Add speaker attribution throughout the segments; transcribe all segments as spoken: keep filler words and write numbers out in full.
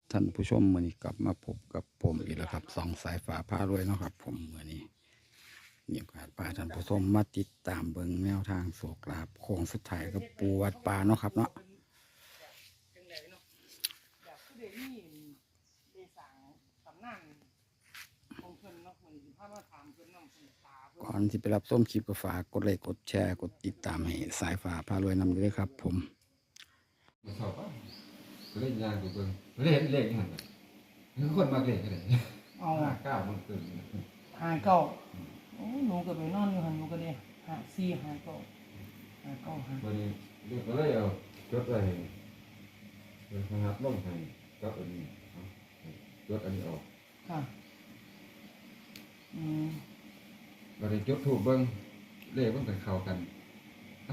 Speaker 1: ท่านผู้ชมมื้อนี้กลับมาพบกับผมอีกแล้วครับสองสายฟ้าพารวยเนาะครับผมมื้อนี้มีโอกาสพาท่านผู้ชมมาติดตามเบิ่งแนวทางโชคลาภโค้งสุดท้ายกับปูวัดป่าเนาะครับเนาะก่อนที่ไปรับชมคลิปก็ฝากกดไลค์กดแชร์กดติดตามให้สายฟ้าพารวยนำด้วยครับผม
Speaker 2: มันชอบป่ะก็เล่นยางดูเบิ่งเล่นเล่นอย่างนั้นคือคนมากเล่นกันเลยเอาห้าเก้ามันเกิน
Speaker 3: ห้าเก้าโอ้หนูก็ไปนอนอยู่หันหนูก็ได้ห้าสี่ห้าเก้าห้าเก้าห้า
Speaker 2: วันนี้เด็กก็เลยเอาจดไว้เป็นขนาดล่มให้กับอันนี้จดอันนี้ออก
Speaker 3: ค่ะอืม
Speaker 2: วันนี้จดถูกเบิ่งเลขมันกันเข้ากันเอ้า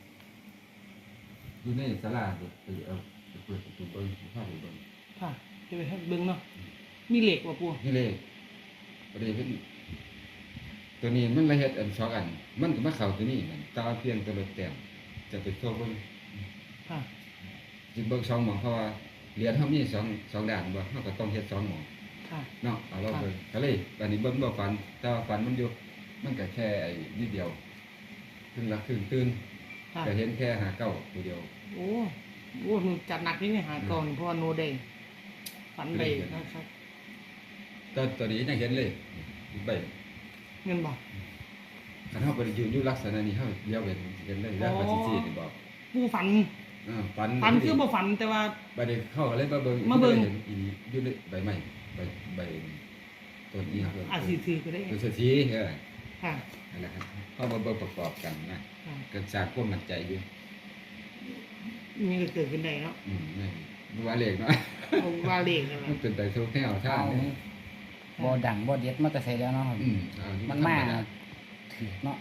Speaker 2: อยู่ในศาลาเด็กไปเอาไปเปิดประตูเบิ่งข้าวเบิ่ง
Speaker 3: ค่ะจะไปให้เบิ่งเนาะมีเหล็กว่ะปู่
Speaker 2: นี่เลขประเดี๋ยวเพิ่นตัวนี้มันละเฮ็ดอันสองอันมันก็มาเข้าตัวนี้นั่นตาเพียงตัวละแต้มจะไปโชว์เบิ่ง
Speaker 3: ค่ะ
Speaker 2: จิเบิ่งสองหม่องเพราะว่าเหรียญเฮามีสองสองด้านบ่เฮาก็ต้องเฮ็ดสองหม่อง
Speaker 3: ค่ะ
Speaker 2: เนาะเอาเราเบิ่งก็เลยอันนี้เบิ่งบ่ฝันแต่ว่าฝันมันอยู่มันก็แค่ไอ้นิดเดียวขึ้นละขึ้นตื่นก็เห็นแค่ห้าเก้าตัวเดียว
Speaker 3: โอ้โหหนูจัดหนักนี่หาก่อนเพราะว่าโนเดงฝันเลยนะครับ
Speaker 2: ตอนตัวนี้ยังเห็นเลยใบ
Speaker 3: เงินบอก
Speaker 2: คันเฮาบ่ได้ยืนอยู่ลักษณะนี้เฮาเดียวเห็นเห็นเลยแล้วว่าสิๆนี่บอก
Speaker 3: ปู่ฝัน
Speaker 2: เออฝัน
Speaker 3: ฝันคือบ่ฝันแต่ว่า
Speaker 2: บัดนี้เข้าก็เลยมาเบิ่ง
Speaker 3: มาเบิ่ง
Speaker 2: อีอยู่ในใบไม้ใบใบต้นนี้ครับ
Speaker 3: อาจสิถือก็ได้
Speaker 2: เป็นสิทีเออ
Speaker 3: ค่ะ
Speaker 2: นั่นแหละครับเฮามาเบิ่งประกอบกันนะก็สร้างความมั่นใจอยู่
Speaker 3: มีก็เกิดขึ้นได้เนาะ
Speaker 2: อืมนี่ว่าเลขเนาะ
Speaker 3: ว่าเลขนั่นแหละ
Speaker 2: มันเป็นไปทุกแนวทาง
Speaker 1: บ่ดังบ่เด็ดมาแต่ไสแล้วเนาะ
Speaker 2: อืม
Speaker 1: มันมาถือเนาะ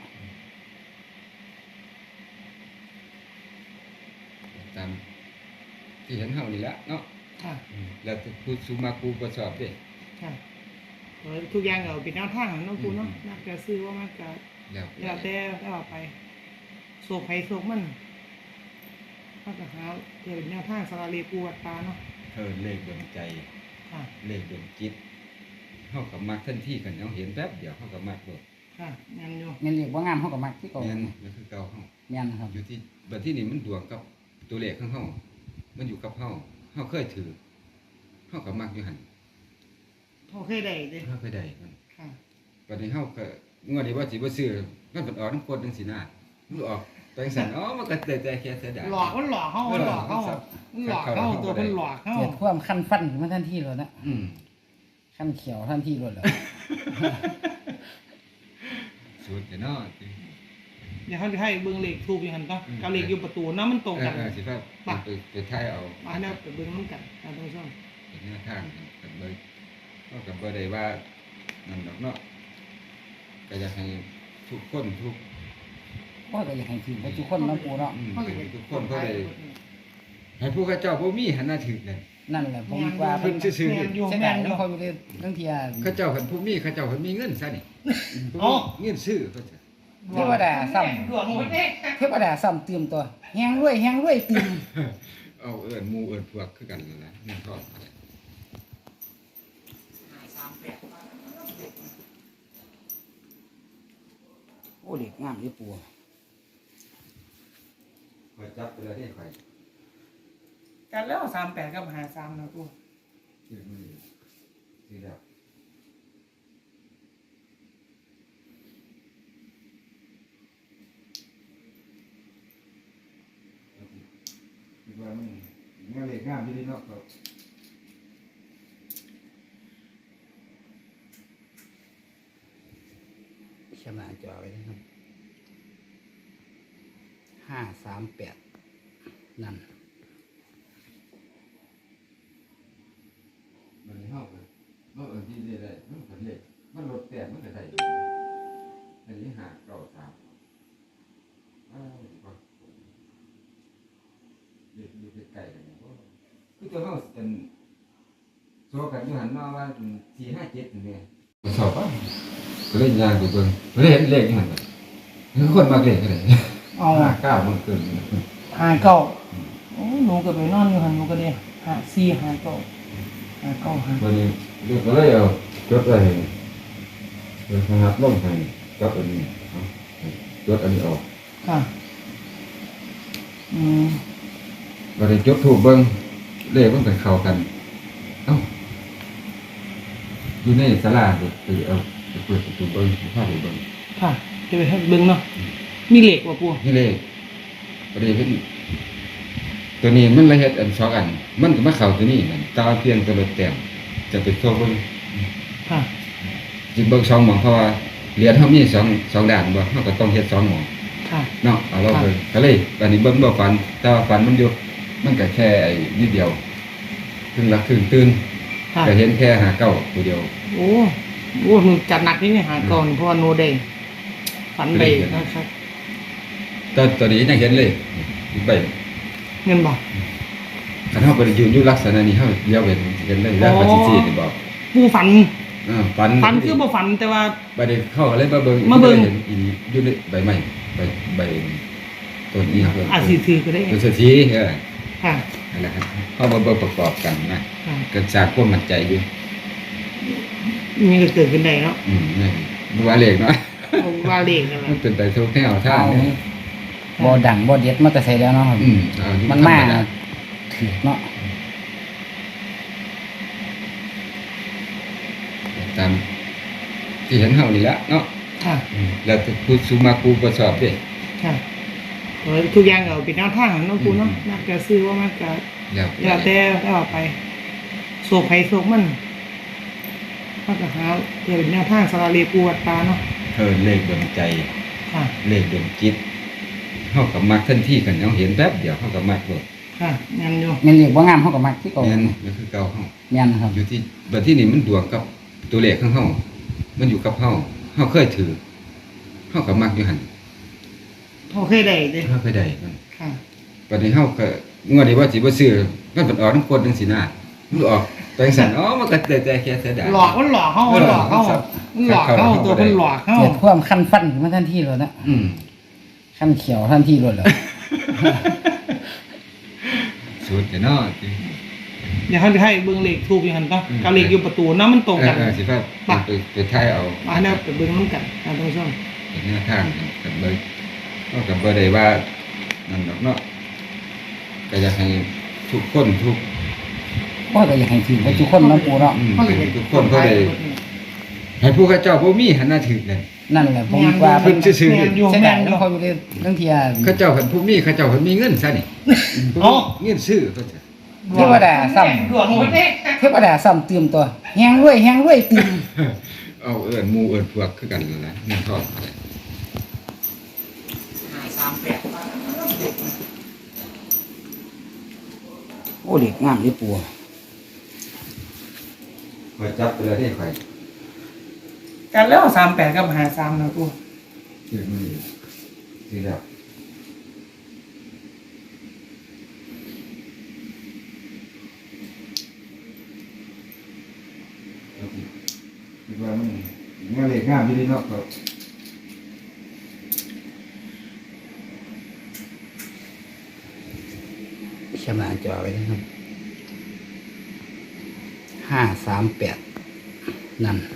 Speaker 2: ตามที่เห็นเฮานี่แหละเนาะ
Speaker 3: ค่ะ
Speaker 2: แล้วผู้สุมากูก็ชอบเด้
Speaker 3: ค่ะทุกอย่างเอาเป็นแนวทางเนาะกูเนาะนักจะซื้อว่ามันก็
Speaker 2: แล้ว
Speaker 3: แล้วแต่แล้วไปโศกไผโศกมันมันก็หาเดี๋ยวเป็นแนวทางสาราเลปูวัดตาเนาะ
Speaker 2: เออเลขดวงใจ
Speaker 3: ค่ะ
Speaker 2: เลขดวงจิตเฮาก็มักทันทีกันเฮาเห็นแป๊บเดียวเฮาก็มักโลด
Speaker 3: ค่ะแม่นอยู่
Speaker 1: แม่นเรียกว่างามเฮาก็มักคือเก่า
Speaker 2: แม่นก็คือเก่าเฮา
Speaker 1: แม่นครับ
Speaker 2: อยู่ที่บัดที่นี่มันดวงกับตัวเลขของเฮามันอยู่กับเฮาเฮาเคยถือเฮาก็มักอยู่หั่น
Speaker 3: เฮาเคยได้เด้
Speaker 2: เฮาเคยได้มัน
Speaker 3: ค่ะ
Speaker 2: บัดนี้เฮาก็งวดนี้ว่าสิบ่ซื้อมันเพิ่นออกนำกดจังซี่นะมันออกแปลงสันอ๋อมันก็แต่แค่เสียดาย
Speaker 3: หลอกมันหลอกเฮามันหลอกเฮามันหลอกเฮาตัวมันหลอกเฮา
Speaker 1: เกิดความคันฟันขึ้นมาทันทีเลยนะ
Speaker 2: อืม
Speaker 1: คันเขียวทันทีเลยเหรอ
Speaker 2: สุดเนาะ
Speaker 3: อย่าเฮาสิให้เบิ่งเลขถูกอยู่หั่นก็กับเลขอยู่ประตูนำมันตรงกัน
Speaker 2: เออสิครับไปไปถ่ายเอา
Speaker 3: มาแล้วไปเบิ่งนำกันท่านผู้ชม
Speaker 2: เป็นแนวทางกันเบิ่งเฮาก็บ่ได้ว่านั่นดอกเนาะก็อยากให้ทุกคนทุก
Speaker 1: ก็อยากให้ถือทุกคนเนาะปู่เนาะ
Speaker 2: ทุกคนก็ได้ให้ผู้ข้าเจ้าบ่มีหันหน้าถึกนั่น
Speaker 1: นั่นแหละผมว่า
Speaker 2: เพิ่นซื่อๆ
Speaker 1: เสียดายเนาะเขาอยู่ทั้งเที่ย
Speaker 2: ข้าเจ้าเพิ่นผู้มีข้าเจ้าเพิ่นมีเงินซะนี่อ๋อเงินซื้อเขาจะ
Speaker 1: เทวดาซ้ำเทวดาซ้ำเติมตัวแฮงรวยแฮงรวยเติม
Speaker 2: เอาเอิ้นหมู่เอิ้นพวกคือกันนั่นแหละเงินทอง
Speaker 1: โอ้เด็กงามอยู่ปู่
Speaker 2: ข่อยจับไปแล้วนี่ข่อย
Speaker 3: กันแล้วสามแปดกับห้าสามนะปู่
Speaker 2: ชื่อมือชื่อแล้วคิดว่ามันมันเลขงามอยู่ดีเนาะครับ
Speaker 1: ชนะจอไว้นะครับห้าสามแปดนั่น
Speaker 2: มันเฮาก็บ่เอิ้นที่ได้มันก็เลขมันลดแต้มมันก็ได้อันนี้ห้าเก้าสามอ้าวบ่เลขอยู่ใกล้ๆกันบ่คือตัวเฮาเป็นโซกันอยู่หั่นเนาะว่าสี่ห้าเจ็ดนี่แหละชอบป่ะก็เล่นยางดูเบิ่งเล่นเลขอยู่หั่นคือคนมักเลขก็ได้
Speaker 3: เอา
Speaker 2: ห้าเก้ามันเกิน
Speaker 3: ห้าเก้าโอ้หนูก็ไปนอนอยู่หั่นหนูก็ได้ห้าสี่ห้าเก้าหาเก้าหา
Speaker 2: วันนี้เรียกก็เลยเอาจดไว้ให้เดี๋ยวนะครับลงให้กับอันนี้เอาจดอันนี้ออก
Speaker 3: ค่ะอืม
Speaker 2: วันนี้จดถูกเบิ่งเลขมันไปเข้ากันเอ้าอยู่ในศาลาเด็กไปเอาไปเปิดประตูเบิ่งพาไปเบิ่ง
Speaker 3: ค่ะจะไปให้เบิ่งเนาะมีเหล็กว่ะปู
Speaker 2: นี่เลขประเดี๋ยวเห็นตัวนี้มันละเอียดอันสองอัน มันก็มาเข้าตัวนี้นั่นตาเพียงตัวละแต้มจะไปตัวเบิ่ง
Speaker 3: ค่ะ
Speaker 2: สิเบิ่งสองหม่องเพราะว่าเหรียญเฮามีสองสองด้านบ่เฮาก็ต้องเฮ็ดสองหม่อง
Speaker 3: ค่ะ
Speaker 2: เนาะเอาเราเบิ่งก็เลยอันนี้เบิ่งบ่ฝันแต่ว่าฝันมันอยู่มันก็แค่ไอ้นิดเดียวครึ่งหลักครึ่งตื่น
Speaker 3: ค่ะ
Speaker 2: ก็เห็นแค่หาเก้าตัวเดียว
Speaker 3: โอ้โหมันจัดหนักนี่เนี่ยหาก่อนเพราะว่าโนเดย์ฝันไปนะครับ
Speaker 2: ตอนตอนนี้ยังเห็นเลยอีกใบ
Speaker 3: เงินบอก
Speaker 2: คันเฮาบ่ได้ยืนอยู่ลักษณะนี้เฮาเดียวเห็นเห็นเลยแล้วว่าสิๆนี่บอก
Speaker 3: ปูฝัน
Speaker 2: เออฝัน
Speaker 3: ฝันคือบ่ฝันแต่ว่า
Speaker 2: บ่ได้เข้าก็เลยมาเบิ่ง
Speaker 3: มาเบิ่ง
Speaker 2: เห็นอีอยู่ในใบไม้ใบใบต้นนี้ครับ
Speaker 3: อาจสิถือก็ได้
Speaker 2: ตัวสถีเออ
Speaker 3: ค่ะ
Speaker 2: นั่นแหละครับเฮามาเบิ่งประกอบกันนะ
Speaker 3: ค่ะ
Speaker 2: ก็สร้างความมั่นใจอยู่
Speaker 3: นี่ก็เกิดขึ้นได้เนาะ
Speaker 2: อืมนี่บ่ว่าเลขเนาะ
Speaker 3: ว่าเลขนั่นแห
Speaker 2: มั
Speaker 3: ละ
Speaker 2: นเป็นไปทุกแนวทาง
Speaker 1: เอา
Speaker 2: เนี่ย
Speaker 1: บ่ดังบ่เด็ดมาแต่ใส่แล้วเนาะครับ
Speaker 2: อืมเอาอยู่
Speaker 1: มันมา
Speaker 2: ธรรด
Speaker 1: ถือเนาะ
Speaker 2: ตามที่เห็นเฮานี่แหละเนาะ
Speaker 3: ค่ะ
Speaker 2: อืมแล้วผู้สุมาครูบ่ชอบเด้
Speaker 3: ค่ะเออทุกอย่างก็เป็นแนวทางของน้องปูเนาะ
Speaker 2: อืม
Speaker 3: นักจะซื้อว่ามันก็
Speaker 2: แล้ว
Speaker 3: แล้วแต่แล้วไปโศกไผโศกมันมันก็หาเพื่อเป็นแนวทางสาราเรียปูวัดตาเนาะ
Speaker 2: เธอเลขดวงใจ
Speaker 3: ค่ะ
Speaker 2: เลขดวงจิตเฮาก็มักทันทีกันเฮาเห็นแป๊บเดียวเฮาก็มักโลด
Speaker 3: ค่ะงานอยู่
Speaker 1: แม่นเรียกบ่งามเฮาก็มักที่เก่า
Speaker 2: แม่นก็คือเก่าเฮา
Speaker 1: แม่นครับ
Speaker 2: อยู่ที่บัดที่นี่มันดวงกับตัวเลขของเฮามันอยู่กับเฮาเฮาเคยถือเฮาก็มักอยู่หั่น
Speaker 3: เขาเคยได้เด้
Speaker 2: เฮาเคยได้มัน
Speaker 3: ค่ะ
Speaker 2: บัดนี้เฮาก็งวดนี้ว่าสิบ่ซื้อมันเป็นออกทั้งคนจังซี่นะมันออกไปจังซั่นอ๋อมันก็แต่แต่แค่เสียดาย
Speaker 3: หลอกมันหลอกเขามันหลอกเขามันหลอกเขาตัวมันหลอกเขา
Speaker 1: เกิดความคันฟันขึ้นมาทันทีเลยนะ
Speaker 2: อืม
Speaker 1: คันเขียวทันทีเลยเหรอ
Speaker 2: สุดแต่เนาะ
Speaker 3: เดี๋ยวเขาจะให้เบิ้งเลขทูบอย่างนั้นก็กับเลขอยู่ประตูน้ำมันตรง
Speaker 2: เอ
Speaker 3: กั
Speaker 2: อน เออสิว่าไปไปถ่ายเอา
Speaker 3: มาแล้วไปเบิ้งน้ำกันนะท่านผู้ชม
Speaker 2: เป็นแนวทางกันเบิ่งเฮาก็บ่ได้ว่านั่นดอกเนาะก็อยากให้ทุกคนทุก
Speaker 1: พ่อก็อยากให้ถือไปทุกคนเนาะปูเนาะ
Speaker 2: อืมให้ทุกคนเขาได้ให้ผู้ข้าเจ้าบ่มีหันหน้าถึกเลย
Speaker 1: นั่นแหละผมว่า
Speaker 2: เพิ่นซื่อๆ
Speaker 3: แมนอยู่
Speaker 1: เสีย
Speaker 3: แม
Speaker 1: ดาย
Speaker 3: นอ
Speaker 1: แล้
Speaker 3: ยู่
Speaker 1: วเขาอยู่ในเรื่องเทีย
Speaker 2: ข้าเจ้าเพิ่นผู้มีข้าเจ้าเพิ่นมีเงินซะนี่
Speaker 3: อ๋อ
Speaker 2: เงินซื้อเขาจะ
Speaker 1: เทวดาซ้
Speaker 3: ดวงหมดเด้
Speaker 1: ำเทวดาซ้ำเติมตัวแฮงรวยแฮงรวยเติม
Speaker 2: เอาเอิ้นหมู่เอิ้นพวกคือกันนั่นแหละเงินทอง
Speaker 3: สามแปด
Speaker 1: โอ้เด็กงามเลยปู
Speaker 2: ข่อยจับไปแล้วนี่ข่อย
Speaker 3: กันแล้วสามแปดกับหาสามนะกู
Speaker 2: ซื้อมื้อนี้ซื้อแล้วคิดว่ามันมันเลขงามอยู่ดีเนาะครับ
Speaker 1: เขียนหน้าจอไว้นะครับห้าสามแปดนั่น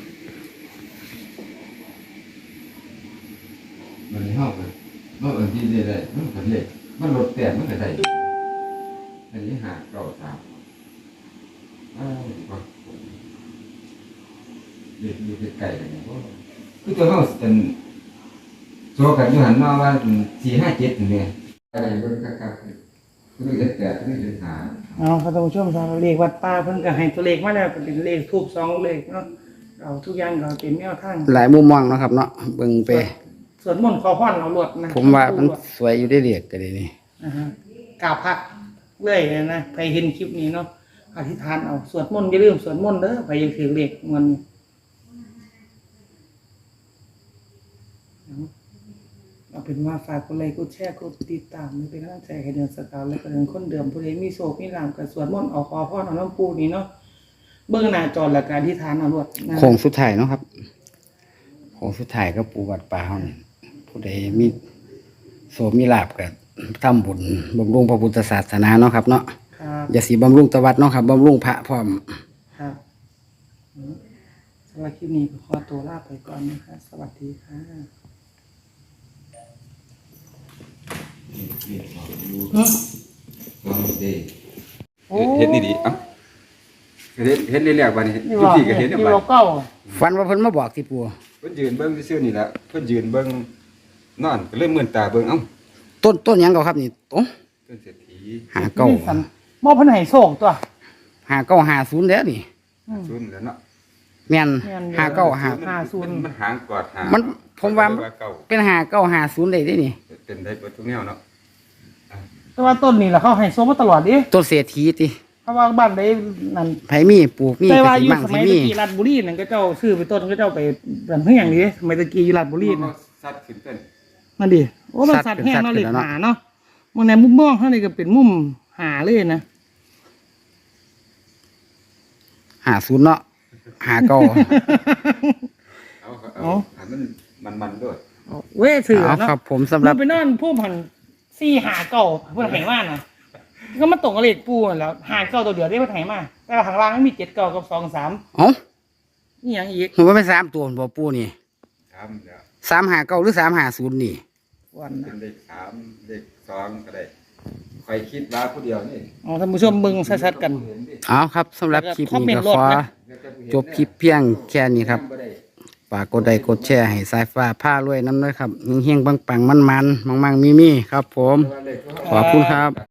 Speaker 2: มันเฮาก็เฮาเอิ้นที่ได้มันก็เลขมันลดแต้มมันก็ได้อันนี้ห้าเก้าสามอ้าวว่าเลขอยู่ใกล้ๆกันเนี่ยบ่คือตัวเฮาเป็นโซกันอยู่หันมาว่าสี่ห้าเจ็ดนี่แหละอะไรเบิ่งคักๆคือเลขแปดคือเลขห้า
Speaker 3: เอาครับท่านผู้ชมสามเลขวัดป่าเพิ่นก็ให้ตัวเลขมาแล้วเป็นเลขทูบสองเลขเนาะเอาทุกอย่างก็เป็นแนวทาง
Speaker 1: หลายมุมมองเนาะครับเนาะเบิ่งไป
Speaker 3: ส่วนมนต์ขอพรเอาหลวดนะ
Speaker 1: ผมว่ามันสวยอยู่ได้เรียกก็ได้นี่
Speaker 3: นะฮะกราบพระเรื่อยเลยนะใครเห็นคลิปนี้เนาะอธิษฐานเอาสวดมนต์อย่าลืมสวดมนต์เด้อใครยังถือเลขเงินเอาเป็นว่าฝากกดไลค์กดแชร์กดติดตามเป็นกำลังใจให้เดือนสกาวและก็เดือนคนเดิมผู้ใดมีโศกมีลามกับสวดมนต์เอาขอพรเอาน้ำปูนี่เนาะเบื้องหน้าจอและการอธิษฐานเอาหลวดนะ
Speaker 1: โค้งสุดท้ายเนาะครับโค้งสุดท้ายก็ปูวัดป่าเฮานี่ผู้ใดมีโสมีลาบก็ทำบุญบำรุงพระพุทธศาสนาเนาะครับเนาะ
Speaker 3: คครับ
Speaker 1: อย่าสีบำรุงตะวัดเนาะครับบำรุงพระพร้อม
Speaker 3: ครับอืมสำหรับคลิปนี้ก็ขอตัวลาไปก่อนนะคะสวัสดีค่ะ
Speaker 2: นี่บอกอยู่
Speaker 3: อืม
Speaker 2: ลองดูดิ
Speaker 3: โอ้
Speaker 2: เห็นนี่ดิเอ้าเห็นเห็นเรื่อยๆบัดนี้
Speaker 3: นี่
Speaker 2: ทุก
Speaker 3: ว่า
Speaker 2: ที่ก็เห็น
Speaker 3: นี่
Speaker 2: เนี่ยบัด
Speaker 3: ว่าเก้า
Speaker 1: ฟันว่าเพิ่นมาบอกที่ปู
Speaker 2: เพิ่นยืนเบิ่งซื่อๆนี่แหละเพิ่นยืนเบิ่งนอนก็เลยมื่นตาเบิ่งเอ้า
Speaker 1: ต้นต้นหยังเก่าครับนี่โอ้
Speaker 2: เพิ่นเศรษฐี
Speaker 1: หาเก้า
Speaker 3: นี่สันมอบเพันให้โชคตัว
Speaker 1: หาเก้าหาศูนย์แล้วนี่
Speaker 3: อืม
Speaker 2: ซุนแล้วเนาะ
Speaker 1: แม่น
Speaker 3: แม่นอยู่
Speaker 1: หาเก้าหา
Speaker 3: ห้าศูนย์
Speaker 2: มันหางกอดหา
Speaker 1: มั
Speaker 2: มัน
Speaker 1: ผมว่า
Speaker 2: เก่า
Speaker 1: เป็นหาเก้าหาศูนย์ได้ได้นี่
Speaker 2: เป็นได้เบิดทุกแนวเนาะ
Speaker 3: แต่ว่าต้นนี่แหละเขาให้โชคมาตลอดดิ
Speaker 1: ต้นเศรษฐีติ
Speaker 3: เพราะว่าบ้านได้นั่น
Speaker 1: ไผมีปลูกมี
Speaker 3: แต่
Speaker 1: ก
Speaker 3: ว่า
Speaker 1: สิ
Speaker 3: อยู่
Speaker 1: มั่ง
Speaker 3: ส
Speaker 1: สิ
Speaker 3: มัย
Speaker 1: มี
Speaker 3: ตะกี้ราชบุรีนั่นก็เจ้าซื้อไปต้นก็เจ้าไปรันเฮืองนี่สมัยตะกี้อยู่ราชบุรี
Speaker 2: มัน
Speaker 3: น่ะ
Speaker 2: สัตว์ขึ้นเป็น
Speaker 3: นั่นดิโอ้มันสัตว์แห้งเนาะเลยหาเนาะมันในมุมมองข้างในก็เป็นมุมหาเลยนะ
Speaker 1: หาศูนย์เนาะหาเก้า
Speaker 2: เอาเอาให้มันมันๆด้วย
Speaker 3: เว้ยถือ
Speaker 1: เอา
Speaker 3: เนาะ
Speaker 1: ครับผมสำหรับ
Speaker 3: มันไปนอนผู้พันซี่หาเก่าเพื่อนไหมาน่ะก็มาตกกับเลขปูนั่นแหล้วหาเก่าตัวเดียวได้เพื่อนไหมาแต่ว่าข้างล่างมันมีเจ็ดเก่ากับสองสาม
Speaker 1: เอ้า
Speaker 3: นี่ยังอีก
Speaker 1: ผมว่าเป็นสามตัวบ่ปูนี่
Speaker 2: สามแล้ว
Speaker 1: สามหาเก้าหรือสามหาศูนย์นี่
Speaker 3: วัน
Speaker 2: เป็
Speaker 3: นะ
Speaker 2: นเลขสามเลขสองก็ได้ใครคิดว่าผู้เดียวนี่
Speaker 3: อ๋อท่านผู้ชมเบิ่งชัดๆกัน
Speaker 2: เห็นดิ
Speaker 1: เอาครับสำหรับคลิป
Speaker 3: คอมเม
Speaker 1: นี้
Speaker 3: นต์
Speaker 1: ก็ขอ
Speaker 3: รถนะ
Speaker 1: จบคลิปเพียงแค่นี้ครับฝากกดไลค์กดแชร์ให้สายฟ้าผ้ารวยน้ำด้วยครับเฮงๆปังๆมันๆมังๆมีๆครับผม ขอบคุณครับ